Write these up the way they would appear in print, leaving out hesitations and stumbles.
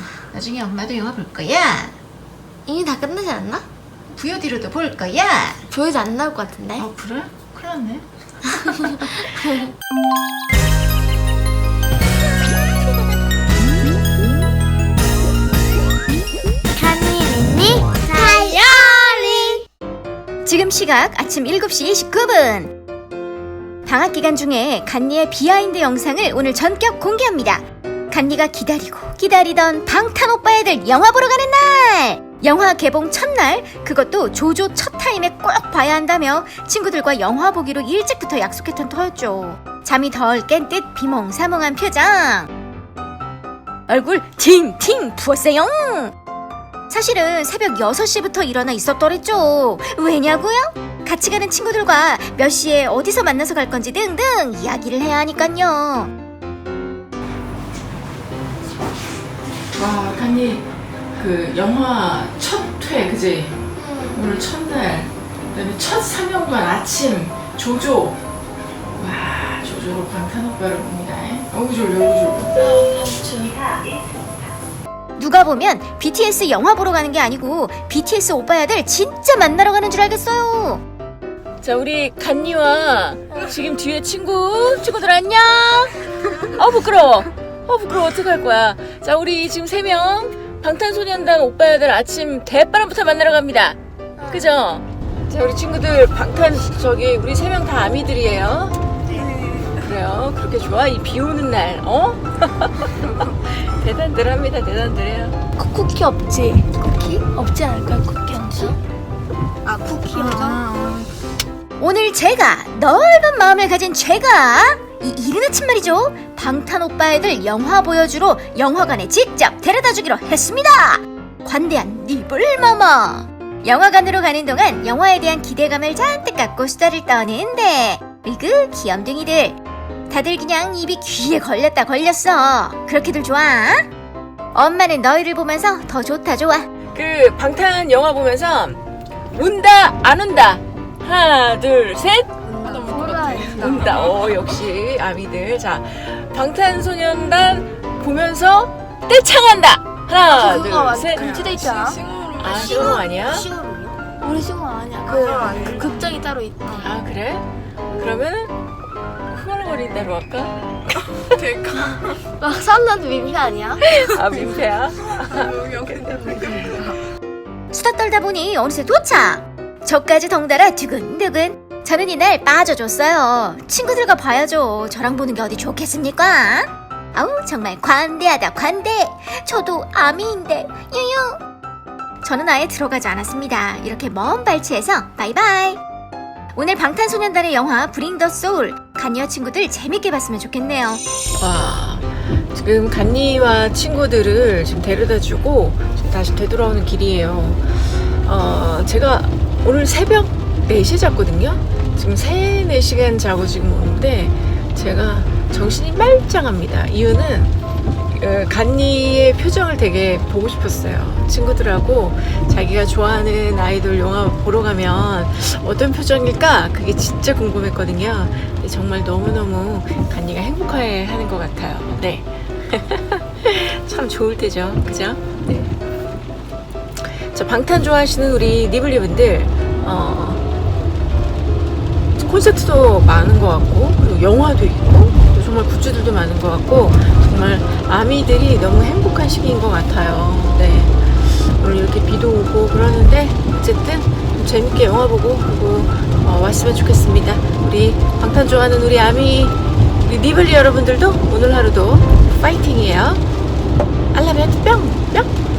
나중에 엄마도 영화 볼 거야. 이미 다 끝나지 않나? VOD로도 볼 거야. 보여도 안 나올 것 같은데. 그래? 큰일 났네. 간이니 다이어리. 지금 시각 아침 7시 29분. 방학 기간 중에 간니의 비하인드 영상을 오늘 전격 공개합니다. 간니가 기다리고 기다리던 방탄 오빠애들 영화 보러 가는 날! 영화 개봉 첫날, 그것도 조조 첫 타임에 꼭 봐야 한다며 친구들과 영화 보기로 일찍부터 약속했던 터였죠. 잠이 덜 깬 듯 비몽사몽한 표정. 얼굴 팅팅 부었어요. 사실은 새벽 6시부터 일어나 있었더랬죠. 왜냐고요? 같이 가는 친구들과 몇 시에 어디서 만나서 갈 건지 등등 이야기를 해야 하니깐요. 와, 간니 그 영화 첫 회, 그지? 오늘 첫날, 그다음에 첫 상영관 아침 조조. 와, 조조로 방탄 오빠를 봅니다. 어우 졸려, 어우 졸려. 누가 보면 BTS 영화 보러 가는 게 아니고 BTS 오빠야들 진짜 만나러 가는 줄 알겠어요. 자, 우리 간니와 지금 뒤에 친구들 안녕. 부끄러워. 부끄러워. 어떡할 거야. 자, 우리 지금 3명 방탄소년단 오빠야들 아침 대바람부터 만나러 갑니다. 그죠? 자, 우리 친구들 우리 3명 다 아미들이에요. 그래요. 그렇게 좋아? 이 비 오는 날, 대단들합니다. 대단들해요. 쿠키 없지? 쿠키? 없지 않을까요? 쿠키 없지? 쿠키 오늘 제가 넓은 마음을 가진 제가 이 이른 아침 말이죠. 방탄 오빠애들 영화 보여주러 영화관에 직접 데려다 주기로 했습니다. 관대한 니블마마. 영화관으로 가는 동안 영화에 대한 기대감을 잔뜩 갖고 수다를 떠는데 으그 귀염둥이들 다들 그냥 입이 귀에 걸렸어. 그렇게들 좋아? 엄마는 너희를 보면서 더 좋다 좋아. 그 방탄 영화 보면서 운다 안 운다. 하나 둘 셋. 운다. 역시 아미들. 자, 방탄소년단 보면서 떼창한다. 하나 둘 셋. 금지돼 있잖아. 싱어롱 아니야? 우리 싱어 아니야. 그 극장이 따로 있대. 아, 그래? 그러면 흥얼거린다로 할까? 막 사람들한테 민폐 아니야? 민폐야? 수다 떨다 보니 어느새 도착. 저까지 덩달아 두근두근. 저는 이날 빠져줬어요. 친구들과 봐야죠. 저랑 보는 게 어디 좋겠습니까? 아우 정말 관대하다 관대. 저도 아미인데 유유. 저는 아예 들어가지 않았습니다. 이렇게 먼 발치해서 바이바이. 오늘 방탄소년단의 영화 브링 더 소울 간니와 친구들 재밌게 봤으면 좋겠네요. 와, 지금 간니와 친구들을 지금 데려다주고 지금 다시 되돌아오는 길이에요. 제가 오늘 새벽 4시에 잤거든요. 지금 3-4시간 자고 지금 오는데 제가 정신이 말짱합니다. 이유는 간니의 표정을 되게 보고 싶었어요. 친구들하고 자기가 좋아하는 아이돌 영화 보러 가면 어떤 표정일까? 그게 진짜 궁금했거든요. 근데 정말 너무너무 간니가 행복해하는 것 같아요. 네. 참 좋을 때죠. 그죠? 네. 자, 방탄 좋아하시는 우리 니블리분들 콘서트도 많은 것 같고 그리고 영화도 있고 정말 굿즈들도 많은 것 같고 정말 아미들이 너무 행복한 시기인 것 같아요. 네. 오늘 이렇게 비도 오고 그러는데 어쨌든 재밌게 영화 보고 그리고 왔으면 좋겠습니다. 우리 방탄 좋아하는 우리 아미 우리 니블리 여러분들도 오늘 하루도 파이팅이에요. 알라면 뿅뿅.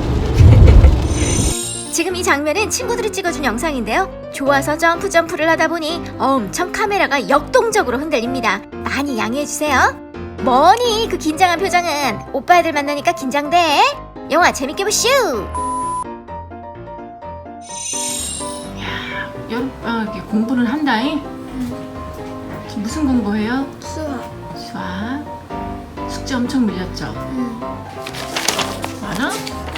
지금 이 장면은 친구들이 찍어준 영상인데요. 좋아서 점프를 하다 보니 엄청 카메라가 역동적으로 흔들립니다. 많이 양해해주세요. 뭐니 그 긴장한 표정은. 오빠애들 만나니까 긴장돼. 영화 재밌게 보슈. 이렇게 공부를 한다잉? 지금 무슨 공부해요? 수학. 숙제 엄청 밀렸죠? 많아?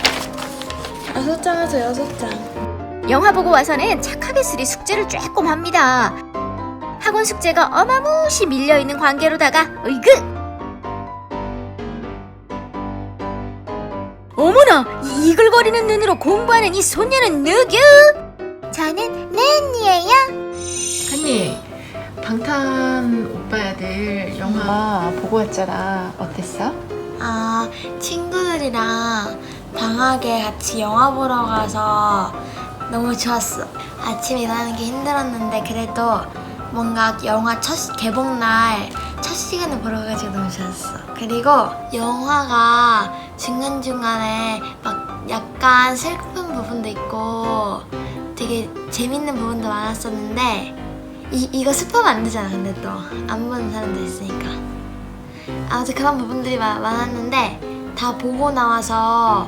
6장에서 6장. 영화 보고 와서는 착하게 쓰리 숙제를 조금 합니다. 학원 숙제가 어마무시 밀려있는 관계로다가 으이그! 어머나, 이 이글거리는 눈으로 공부하는 이 소녀는 누구? 저는 렌이에요. 간니, 방탄 오빠들 영화 보고 왔잖아. 어땠어? 아, 친구들이랑 방학에 같이 영화 보러 가서 너무 좋았어. 아침에 일어나는 게 힘들었는데 그래도 뭔가 영화 첫 개봉날 첫 시간에 보러 가가지고 너무 좋았어. 그리고 영화가 중간중간에 막 약간 슬픈 부분도 있고 되게 재밌는 부분도 많았었는데 이거 스포하면 안 되잖아. 근데 또 안 보는 사람도 있으니까. 아무튼 그런 부분들이 많았는데 다 보고 나와서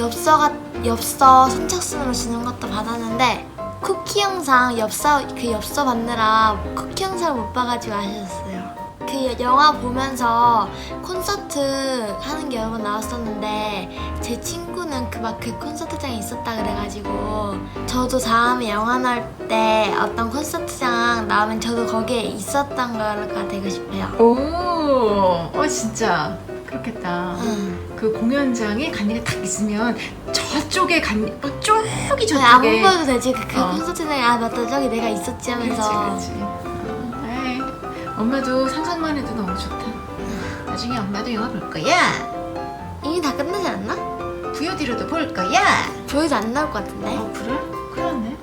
엽서 선착순으로 주는 것도 받았는데 쿠키 영상 그 엽서 받느라 쿠키 영상을 못 봐가지고 아쉬웠어요. 그 영화 보면서 콘서트 하는 게 여러 번 나왔었는데 제 친구는 그 콘서트장에 있었다 그래가지고 저도 다음에 영화 나올 때 어떤 콘서트장 나오면 저도 거기에 있었던 거가 되고 싶어요. 오, 진짜 그렇겠다. 응. 그 공연장에 간니가 딱 있으면 저쪽에 저쪽이 저희 안 저쪽에. 봐도 되지. 그 어. 콘서트장에 아 맞다 저기 내가 있었지 하면서. 그렇지. 에이, 엄마도 상상만 해도 너무 좋다. 나중에 엄마도 영화 볼 거야. 이미 다 끝나지 않나? VOD로도 볼 거야. 조회도 안 나올 것 같은데. 그래? 그렇네.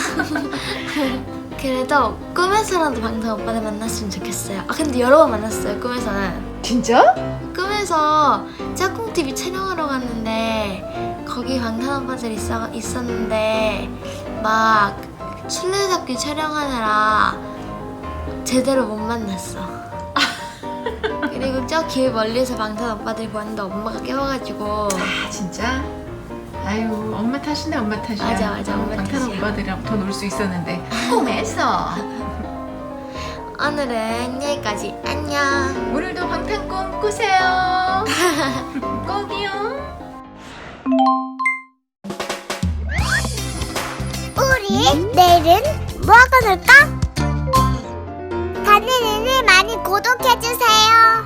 그래도 꿈에서라도 방탄 오빠를 만났으면 좋겠어요. 아 근데 여러 번 만났어요. 꿈에서는. 진짜? 꿈에서 짝꿍 TV 촬영하러 갔는데 거기 방탄 오빠들 있었는데 막 술래잡기 촬영하느라 제대로 못 만났어. 그리고 저 길 멀리서 방탄 오빠들이 보는데 엄마가 깨워가지고. 아, 진짜? 아유, 엄마 탓이네, 엄마 탓이야. 맞아, 엄마 방탄 탓이야. 오빠들이랑 더 놀 수 있었는데 꿈에서. 오늘은 여기까지. 안녕. 오늘도 방탄 꿈 꾸세요. 꼭이요. 우리 내일은 뭐 하고 놀까? 가는 애를 많이 구독해주세요.